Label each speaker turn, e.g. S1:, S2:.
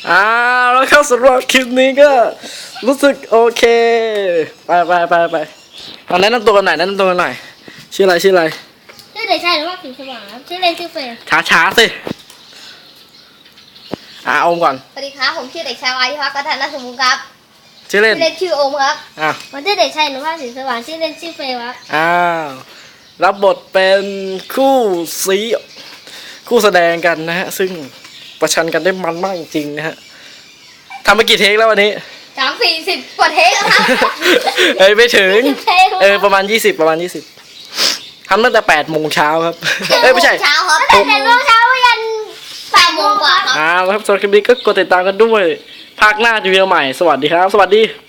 S1: แล้วเข้าสำหรับคลิปนี้ก็รู้สึกโอเคไปแนะนำตัวกันหน่อยชื่ออะไร
S2: ชื่อเด็กชายหรือว่าผิวสว่างครับชื่อเล่นชื่อเฟย์
S1: ช้าสิอมก่อน
S3: สวัสดีครับผมชื่อเด็กชายวายุพักกระทันสมุนครับ
S1: ชื่อเล่น
S3: ชื่อโอมครับ
S2: ผมชื่อเด็กชายหรือว่าผิวสว่างชื่อเล่นชื่อเฟย์ครับ
S1: รับบทเป็นคู่แสดงกันนะฮะซึ่งประชันกันได้มันมากจริงๆนะฮะทำไปกี่เทคแล้ววันนี้
S3: 40 กว่าเทคครับ
S1: ไม่ถึงประมาณ20ทำตั้งแต่8 โมงเช้าครับไม่ใช่
S3: เช้าครับ
S2: ตั้งแต่8 โมงเช้ายัน
S3: 8 โมงกว่าครับ
S1: แล้วสำหรับคลิปนี้ก็กดติดตามกันด้วยภาคหน้าจะมีใหม่สวัสดีครับสวัสดี